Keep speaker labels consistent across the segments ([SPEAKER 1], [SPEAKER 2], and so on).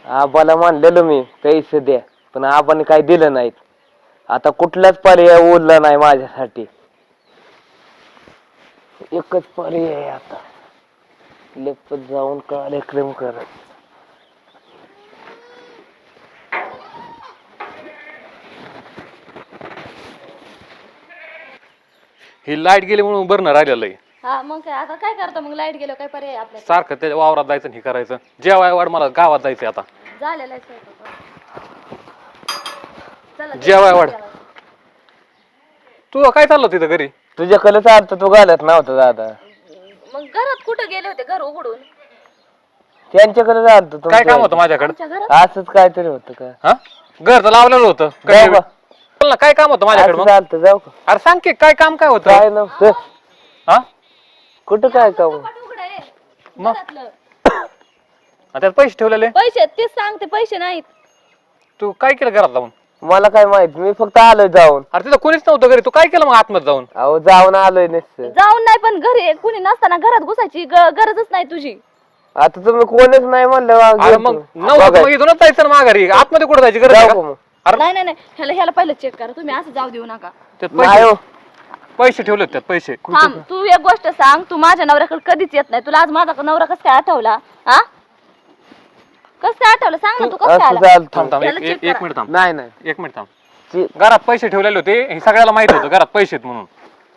[SPEAKER 1] आबाला म्हणलेलो मी पैसे द्या, पण आबाने काही दिलं नाहीत. आता कुठलाच पर्याय उरला नाही माझ्यासाठी. एकच पर्याय आहे आता, लपत जाऊन कार्यक्रम करत.
[SPEAKER 2] ही लाईट गेली म्हणून बरं राहिलेलं आहे.
[SPEAKER 3] हा मग काय आता काय करतो मग लाईट गेलो काय पर्याय आपल्या
[SPEAKER 2] सारखं त्याच्या वावरात जायचं हे करायचं. जेवाय वाढ मला गावात जायचंय आता.
[SPEAKER 3] झालेला आहे स्वयंपाक. चला
[SPEAKER 2] जेवाय वाढ. तू काय चाललं तिथं घरी?
[SPEAKER 1] तुझ्याकडे चालतं, तू घालत नव्हता दादा.
[SPEAKER 3] मग घरात कुठं गेले होते घर उघडून?
[SPEAKER 1] त्यांच्याकडे चालतं.
[SPEAKER 2] काय काम होतं माझ्याकडे?
[SPEAKER 3] आमच्या घरात
[SPEAKER 1] असंच काहीतरी होतं का?
[SPEAKER 2] हा घर तर लावलेलं होतं.
[SPEAKER 1] जाऊ का?
[SPEAKER 2] बोल ना, काय काम होतं माझ्याकडे? मग
[SPEAKER 1] चालतं, जाऊ का?
[SPEAKER 2] अरे सांग की काय काम काय होतं?
[SPEAKER 1] काय नव्हतं.
[SPEAKER 2] हा
[SPEAKER 1] कुठं काय काम?
[SPEAKER 3] कपाट उघडं आहे
[SPEAKER 2] मग?
[SPEAKER 3] घरातलं.
[SPEAKER 2] त्यात पैसे ठेवलेले.
[SPEAKER 3] पैसे तेच सांगते, पैसे नाहीत.
[SPEAKER 2] तू काय केलं घरात जाऊन?
[SPEAKER 1] मला काय माहित, मी फक्त आलोय जाऊन.
[SPEAKER 2] अरे तिथं कोणीच नव्हतं घरी, तू काय केलं मग आतमध्ये जाऊन?
[SPEAKER 1] अहो जाऊन आलोय नुसतं.
[SPEAKER 3] जाऊन नाही, पण घरी कुणी नसताना घरात घुसायची गरजच नाही तुझी.
[SPEAKER 1] आता तुम्ही कोणीच नाही म्हणलं
[SPEAKER 2] अरे मग नव्हतं मग इथूनच जायचं ना माघारी. आतमध्ये कुठं जायची गरज आहे का? अरे
[SPEAKER 3] नाही नाही नाही, ह्याला पहिलं चेक करा तुम्ही, असं जाऊ देऊ नका.
[SPEAKER 2] त्यात
[SPEAKER 1] नाही हो.
[SPEAKER 2] पैसे ठेवले त्यात पैसे.
[SPEAKER 3] थांब, तू एक गोष्ट सांग, तू माझ्या नवऱ्याकडे कधीच येत नाही. तुला आज माझा नवरा कसं काय आठवला? हा कसं काय आठवलं सांग ना, तू कसं काय
[SPEAKER 1] असं
[SPEAKER 3] आला?
[SPEAKER 1] चालतं.
[SPEAKER 2] थांब थांब
[SPEAKER 3] त्याला
[SPEAKER 2] एक
[SPEAKER 3] check
[SPEAKER 2] एक
[SPEAKER 3] करा.
[SPEAKER 2] मिनिट थांब.
[SPEAKER 1] नाही नाही.
[SPEAKER 2] एक मिनिट थांब. घरात पैसे ठेवलेले होते, हे सगळ्याला माहित होतं घरात पैसे आहेत म्हणून.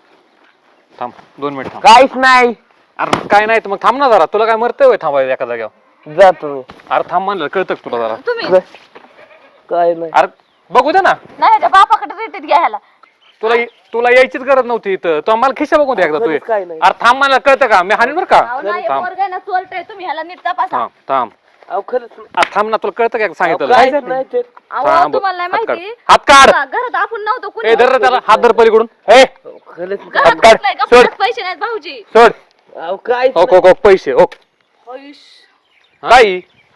[SPEAKER 2] थांब 2 मिनिट थांब.
[SPEAKER 1] काहीच नाही.
[SPEAKER 2] अरे काय नाही तर मग थांब ना जरा. तुला काय मरतंय होय थांबायला एका जागेवर?
[SPEAKER 1] जा तुम्ही.
[SPEAKER 2] अरे थांब म्हणलं कळतं का तुला जरा?
[SPEAKER 3] तुम्ही
[SPEAKER 1] काय नाही.
[SPEAKER 2] अरे बघू दे ना.
[SPEAKER 3] नाही ह्याच्या बापाकडे रिटीत घ्या ह्याला.
[SPEAKER 2] तुला यायचीच गरज नव्हती इथं. तू आम्हाला खिशा बघू दे एकदा तू.
[SPEAKER 1] खरंच काय नाही.
[SPEAKER 2] अरे थांब म्हणलं कळतं का? मी हाणीन बरं का?
[SPEAKER 3] अहो नाही,
[SPEAKER 2] थांब
[SPEAKER 3] पोरगा आहे ना, चोरट आहे. तुम्ही ह्याला नीट तपासा.
[SPEAKER 2] थांब थांब.
[SPEAKER 1] अहो खरंच नाही.
[SPEAKER 2] अरे थांब ना, तुला कळतं का सांगितलं?
[SPEAKER 1] काहीच नाही ते.
[SPEAKER 3] अहो
[SPEAKER 2] थांब.
[SPEAKER 3] तुम्हाला नाही
[SPEAKER 2] हात काढ.
[SPEAKER 3] माहिती,
[SPEAKER 2] हात काढ.
[SPEAKER 3] घरात आपण नव्हतो कुणी.
[SPEAKER 2] ए धर रे त्याला, हात धर पलीकडून. ए
[SPEAKER 1] खरंच नाही.
[SPEAKER 3] घरात
[SPEAKER 2] काढ.
[SPEAKER 3] बसलाय का?
[SPEAKER 2] सोड.
[SPEAKER 3] परत पैसे नाहीत भाऊजी.
[SPEAKER 2] सोड.
[SPEAKER 1] अहो काहीच
[SPEAKER 2] ओक ओक ओक पैसे ओक.
[SPEAKER 3] आयुष.
[SPEAKER 2] काय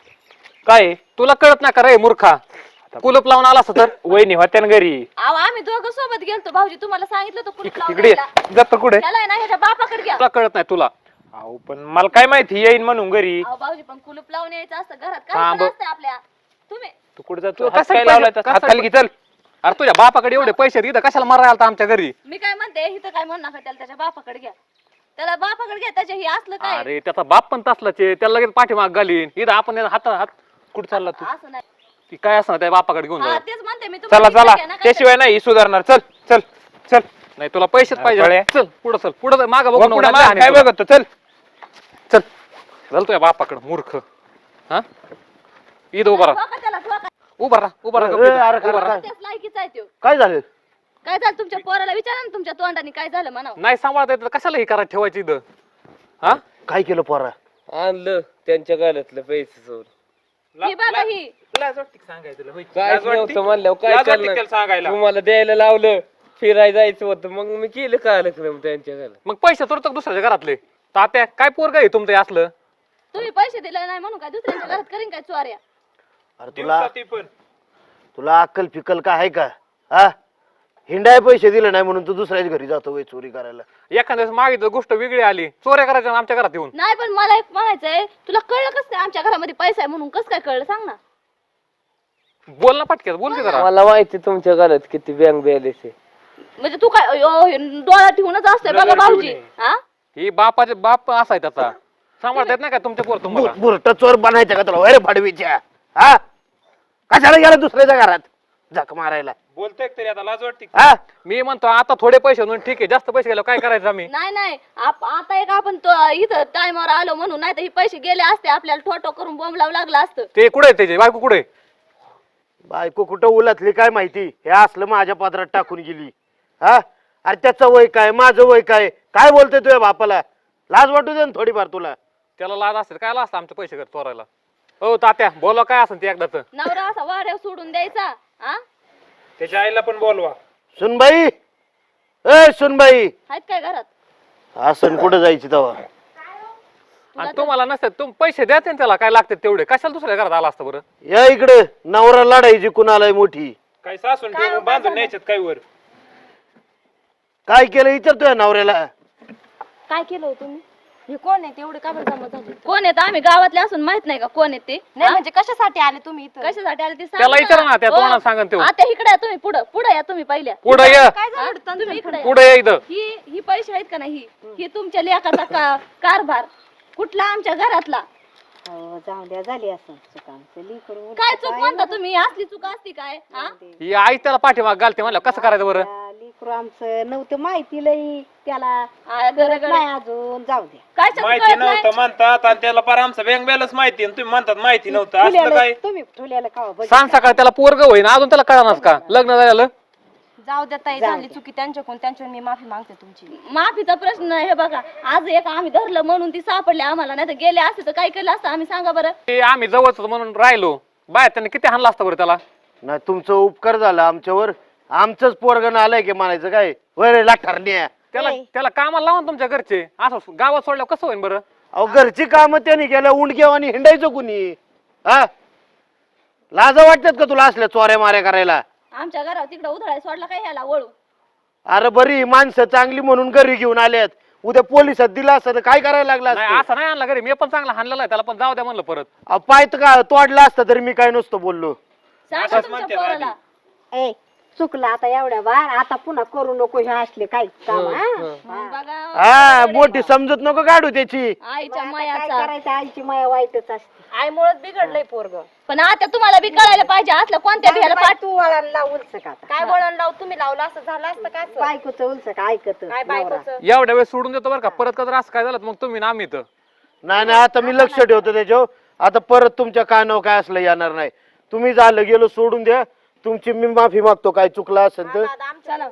[SPEAKER 2] काय तुला कळत ना का रे मूर्खा? कुलप लावून आला तर
[SPEAKER 4] वहिनी होत्या ना घरी.
[SPEAKER 3] अहो आम्ही दोघं सोबत गेलतो भाऊजी, तुम्हाला सांगितलं होतं कुलूप लावून
[SPEAKER 2] तिकडे
[SPEAKER 3] द्यायला.
[SPEAKER 2] जात कुठे?
[SPEAKER 3] त्याला आहे ना ह्याच्या बापाकडे घ्या.
[SPEAKER 2] तुला कळत नाही तुला.
[SPEAKER 4] अहो पण मला काय माहिती येईन म्हणून घरी.
[SPEAKER 3] अहो भाऊजी पण कुलूप लावून यायचं असतं घरात,
[SPEAKER 2] थांब.
[SPEAKER 3] काय असतं आपल्या. तुम्ही
[SPEAKER 4] तू कुठे जातो?
[SPEAKER 2] तू
[SPEAKER 4] हात
[SPEAKER 2] कसा
[SPEAKER 4] काय
[SPEAKER 2] पैसे-
[SPEAKER 4] लावलाय तसा?
[SPEAKER 2] कसा
[SPEAKER 4] हात खाली घे, चल.
[SPEAKER 2] अरे तुझ्या बापाकडे एवढे पैसे आहेत, इथं कशाला मारायला आलता आमच्या घरी?
[SPEAKER 3] मी काय म्हणते, इथं काय म्हणू नका, त्याच्या बापाकडे घ्या. त्याला बापाकडे घ्या, त्याच्या ही असलं काय
[SPEAKER 2] अरे त्याचा बाप पण तसलाच आहे, त्याला लगेच पाठीमाग घालीन. इथं आपण हात हात
[SPEAKER 4] कुठे चालला तू?
[SPEAKER 3] असं नाही.
[SPEAKER 2] ती काय असणार त्या बापाकडे घेऊन
[SPEAKER 3] हा
[SPEAKER 2] जाऊ.
[SPEAKER 3] तेच म्हणते मी
[SPEAKER 4] चला
[SPEAKER 3] तुम्हाला.
[SPEAKER 4] चला,
[SPEAKER 3] घ्या ना, काय
[SPEAKER 4] त्याशिवाय नाही ही सुधारणार. चल चल चल.
[SPEAKER 2] नाही तुला पैसेच पाहिजे.
[SPEAKER 4] पळ्या.
[SPEAKER 2] चल पुढं चल, पुढं माग बघू
[SPEAKER 4] वा,
[SPEAKER 2] नको,
[SPEAKER 4] पुढं
[SPEAKER 2] नाही
[SPEAKER 4] माग
[SPEAKER 2] हाणीन
[SPEAKER 4] काय
[SPEAKER 2] तुला.
[SPEAKER 4] बघतो? चल.
[SPEAKER 2] चल चल तुझ्या बापाकडे मूर्ख. हा इथं उभा राहा,
[SPEAKER 3] ठोका त्याला, ठोका.
[SPEAKER 2] उभा राहा, उभा राहा.
[SPEAKER 1] अरे,
[SPEAKER 2] गप्प इथं.
[SPEAKER 1] अरे,
[SPEAKER 2] उभा राहा.
[SPEAKER 3] त्याच लायकीचा आहे त्यो.
[SPEAKER 1] काय झालं?
[SPEAKER 3] काय झालं तुमच्या पोराला विचारा ना, तुमच्या तोंडाने काय झालं म्हणावं.
[SPEAKER 2] नाही सांभाळता येत तर कशाला हे करायला ठेवायची इथं? हा
[SPEAKER 1] काय केलं पोरा? आणलं त्यांच्या गाल्यातलं पैसे सोड.
[SPEAKER 3] ही बघा ही.
[SPEAKER 4] लाज वाटते का सांगायचं तुला? होय.
[SPEAKER 1] काय
[SPEAKER 4] लाज वाटते?
[SPEAKER 1] नव्हतं म्हणल्यावर काय
[SPEAKER 4] लाज वाटते
[SPEAKER 1] करणार?
[SPEAKER 4] त्याला सांगायला.
[SPEAKER 1] तुम्हाला द्यायला लावलं, फिरायला जायचं होतं, मग मी केलं कार्यक्रम त्यांच्या घरात.
[SPEAKER 2] मग पैसे तर दुसऱ्याच्या घरातले. तात्या काय पोरग आहे तुमचं हे असलं?
[SPEAKER 3] तुम्ही पैसे दिले नाही म्हणून काय दुसऱ्यांच्या घरात करीन काय चोऱ्या?
[SPEAKER 1] अरे
[SPEAKER 4] दिवसाती पण.
[SPEAKER 1] तुला अक्कल फिकल का आहे का? हा हिंडाय पैसे दिले नाही म्हणून तू दुसऱ्याच्या घरी जातो वय चोरी करायला.
[SPEAKER 2] एखाद्या वेळेस मागितलं गोष्ट वेगळी आली, चोऱ्या करायच्या ना आमच्या घरात येऊन.
[SPEAKER 3] नाही पण मला एक म्हणायचंय, तुला कळलं कसं काय आमच्या घरामध्ये पैसा आहे म्हणून? कसं काय कळलं सांग ना.
[SPEAKER 2] बोल ना पटक्यात, बोल की जरा.
[SPEAKER 1] मला माहिती तुमच्या घरात किती बँक बॅलन्स आहे.
[SPEAKER 3] म्हणजे तू काय डोळा ठेवूनच असतोय बघा
[SPEAKER 4] नजर
[SPEAKER 3] भाऊजी.
[SPEAKER 4] ठेवून
[SPEAKER 3] हा
[SPEAKER 2] ही बापाचे बाप असाय त्याचा. सांभाळता येत नाही का तुमच्या पोर तुम्हाला?
[SPEAKER 1] बुरट चोर बनायचं का तुला वैर फाडवीच्या? हा कशाला गेला दुसऱ्याच्या घरात झक मारायला?
[SPEAKER 4] बोलतोय का तरी आता? लाज वाटते का?
[SPEAKER 1] हा
[SPEAKER 2] मी म्हणतो आता थोडे पैसे म्हणून ठीक आहे, जास्त पैसे गेलो काय करायचं आम्ही?
[SPEAKER 3] नाही नाही, आता एक आपण इथं टायमावर आलो म्हणून, नाही तर हे पैसे गेले असते आपल्याला ठोठो करून बॉम्ब लावं लागलं असतं.
[SPEAKER 2] ते कुठे त्याचे बायको कुठे?
[SPEAKER 1] बायको कुठं उलटली काय माहिती? हे असलं माझ्या पात्रात टाकून गेली. हा अरे त्याचं वय काय, माझं वय काय, काय बोलतोय तुझ्या बापाला? लाज वाटू दे ना थोडीफार तुला.
[SPEAKER 2] त्याला लाज असेल काय असतं आमचे पैसे घर चोरायला? हो तात्या बोला काय असेल ते एकदाच.
[SPEAKER 3] नवरा असा वाऱ्यावर सोडून द्यायचा? हा
[SPEAKER 4] त्याच्या आईला पण बोलवा.
[SPEAKER 1] सुनबाई, ए सुनबाई,
[SPEAKER 3] आहेत काय घरात?
[SPEAKER 1] असं कुठं जायची तेव्हा?
[SPEAKER 2] आणि तुम्हाला नसतं तुम पैसे द्याचे ना त्याला, काय लागते तेवढे, कशाला दुसऱ्या घरात आला असतं बरं?
[SPEAKER 1] या इकडे, नवरा लढायची कुणालाय मोठी.
[SPEAKER 4] काय सासून
[SPEAKER 3] काय
[SPEAKER 4] ठेवून बांधून न्यायच्यात काय वर?
[SPEAKER 1] काय केलं विचारतोय नवऱ्याला?
[SPEAKER 3] काय केलं हो तुम्ही?
[SPEAKER 5] हे कोण आहे तेवढे का बरं जमा झाले
[SPEAKER 3] कोण येत आम्ही गावातले असून माहित नाही का कोण येत ते
[SPEAKER 5] नाही म्हणजे कशासाठी आले तुम्ही इथं
[SPEAKER 3] कशासाठी आले ते
[SPEAKER 2] त्याला विचारा ना, त्या तोंडात सांगन त्यो.
[SPEAKER 3] आता इकडे या तुम्ही पुढे या तुम्ही पहिल्या
[SPEAKER 2] पुढे ये,
[SPEAKER 5] काय झालं
[SPEAKER 3] हा? तुम्ही इकडे या.
[SPEAKER 2] पुढे ये इथं.
[SPEAKER 3] ही पैसे आहेत का नाही ही तुमच्या लेखाचा कारभार कुठला आमच्या घरातला
[SPEAKER 5] हो, जाऊ द्या झाली असं चुका
[SPEAKER 3] काय चूक म्हणता तुम्ही असली चूक असती काय हा
[SPEAKER 2] ही आई त्याला पाठीमाग घालते म्हणलं कसं करायचं बरं?
[SPEAKER 5] लिकरू आमचं नव्हतं माहिती लई त्याला
[SPEAKER 3] आ, गरगड.
[SPEAKER 5] नाही अजून जाऊ द्या
[SPEAKER 3] काय चूक
[SPEAKER 4] माहिती
[SPEAKER 3] कळत नाही?
[SPEAKER 4] नव्हतं म्हणतात आणि त्याला पार आमचा बँक बॅलन्स माहिती आणि तुम्ही म्हणतात माहिती नव्हतं असलं काय
[SPEAKER 5] ठुल्याला तुम्ही ठुल्याला का
[SPEAKER 2] सांग सकाळ त्याला पोरग होईन अजून त्याला कळणार का लग्न झालं?
[SPEAKER 5] जाऊ द्या ताई झाली चुकी त्यांच्याकडून मी माफी मागते तुमची
[SPEAKER 3] माफीचा प्रश्न नाही हे बघा आज एक आम्ही धरलं म्हणून ती सापडली आम्हाला नाही तर गेले असते तर काय केलं असतं आम्ही सांगा बरं
[SPEAKER 2] ते आम्ही जवळच म्हणून राहिलो बाहेर त्याने किती हाणला असतं बरं त्याला?
[SPEAKER 1] नाही तुमचं उपकार झाला आमच्यावर. आमचंच पोरगण आलंय की म्हणायचं काय वरे लाठारण्या.
[SPEAKER 2] त्याला कामाला लावा ना तुमच्या घरचे. असं गावात सोडल्यावर कसं होईन बरं?
[SPEAKER 1] अहो घरची कामं त्यांनी केलं उंडक्यावानी हिंडायचं कुणी हा लाज वाटतात का तुला असल्या चोऱ्या माऱ्या करायला?
[SPEAKER 3] आमच्या घरात तिकडे उधळाय सोडला काय ह्याला वळू
[SPEAKER 1] अरे बरी माणसं चांगली म्हणून घरी घेऊन आल्यात उद्या पोलिसात दिला असतं तर काय करायला लागला
[SPEAKER 2] नाही असं नाही आणला घरी. मी पण चांगला हाणलेला आहे त्याला पण जाऊ द्या म्हणलं परत.
[SPEAKER 1] पाय तर का तोडला असता तरी मी काय नसतो बोललो.
[SPEAKER 3] सांगा
[SPEAKER 4] असंच
[SPEAKER 3] तुमच्या
[SPEAKER 4] म्हणते
[SPEAKER 3] पोराला
[SPEAKER 5] ए चुकलं आता एवढ्या बार आता पुन्हा करू नको हे असले काय काम
[SPEAKER 3] बघा
[SPEAKER 1] हा मोठी समजत नको काढू त्याची.
[SPEAKER 3] आईच्या
[SPEAKER 5] काय
[SPEAKER 3] मायाचा
[SPEAKER 5] करायचं आईची माया वाईटच असते आईमुळेच बिघडलंय पोरग
[SPEAKER 3] पण आता तुम्हाला बी कळायला पाहिजे असलं कोणत्या भियाला पाठ
[SPEAKER 5] तू वळण लावून का काय वळण लाव तुम्ही लावलं असं झालं असतं काय बायकोच उलस का ऐकत काय बायकोचं
[SPEAKER 2] एवढ्या वेळेस सोडून देतो बरं का. परत कधी असं काय झालं तर मग तुम्ही ना आम्ही इथं.
[SPEAKER 1] नाही नाही आता मी लक्ष ठेवतो त्याच्यावर. आता परत तुमच्या कानावर काय असलं येणार नाही. तुम्ही झालं गेलो सोडून द्या. तुमची मी माफी मागतो काय चुकलं असेल तर.
[SPEAKER 3] चला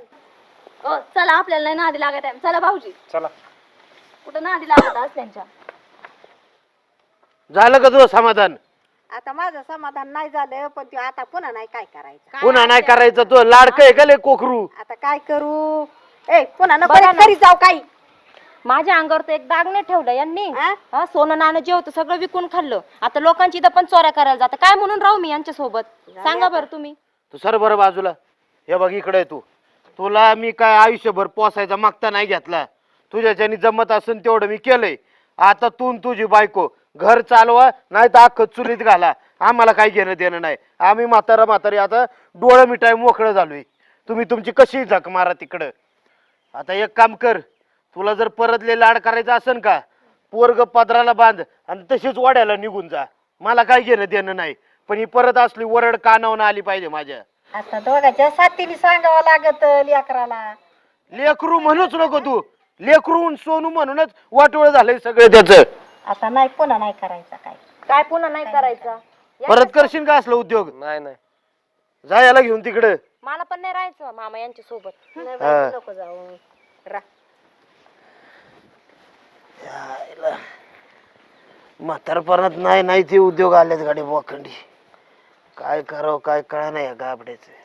[SPEAKER 3] चला आपल्याला नाही नादी लागत आहे चला भाऊजी
[SPEAKER 4] चला
[SPEAKER 3] कुठं नादी लागत आज त्यांच्या
[SPEAKER 1] झालं का तुझं समाधान?
[SPEAKER 5] आता माझं समाधान नाही झालं पण ते आता पुन्हा नाही काय करायचं
[SPEAKER 1] पुन्हा नाही करायचं तो लाडकं आहे का लय कोकरू?
[SPEAKER 5] आता काय करू ए पुन्हा नको तरी जाऊ काही माझ्या अंगावर तर एक दाग नाही ठेवलं यांनी सोनं नाणं जे होतं सगळं विकून खाल्लं आता लोकांची इथं पण चोऱ्या करायला जातं काय म्हणून राहू मी यांच्या सोबत सांगा बरं तुम्ही
[SPEAKER 1] तू सर बरं बाजूला हे बघ इकडे आहे तू. तुला मी काय आयुष्यभर पोसायचा मागता नाही घेतला. तुझ्याच्यानी जमत असून तेवढं मी केलंय. आता तू न तुझी बायको घर चालवा नाही तर अख्खं चुलीत घाला. आम्हाला काही घेणं देणं नाही. आम्ही म्हातारी आता डोळं मिठाय मोकळं झालोय. तुम्ही तुमची कशी झक मारा तिकडं. आता एक काम कर तुला जर परतले लाड करायचं असेल का पोरग पदराला बांध आणि तशीच वाड्याला निघून जा. मला काय घेणं देणं नाही पण ही परत असली वरड कानावून आली पाहिजे माझ्या.
[SPEAKER 5] आता दोघांच्या साथीने सांगावं लागत लेकराला
[SPEAKER 1] लेकरू म्हणूच नको तू. लेकरू सोनू म्हणूनच वाटोळ झालंय सगळं त्याच.
[SPEAKER 5] आता नाही पुन्हा नाही करायचा काय काय पुन्हा नाही करायचा
[SPEAKER 1] परत करशील का असलं उद्योग?
[SPEAKER 2] नाही नाही
[SPEAKER 1] जा याला घेऊन तिकडं.
[SPEAKER 5] मला पण नाही राहायचं मामा यांच्या सोबत
[SPEAKER 1] हा.
[SPEAKER 5] नको जाऊ
[SPEAKER 1] म्हातारपणात नाही नाही ते उद्योग आलेत गाडी बोखंडी. काय करावं काय कळा नाही या गाबड्याचं.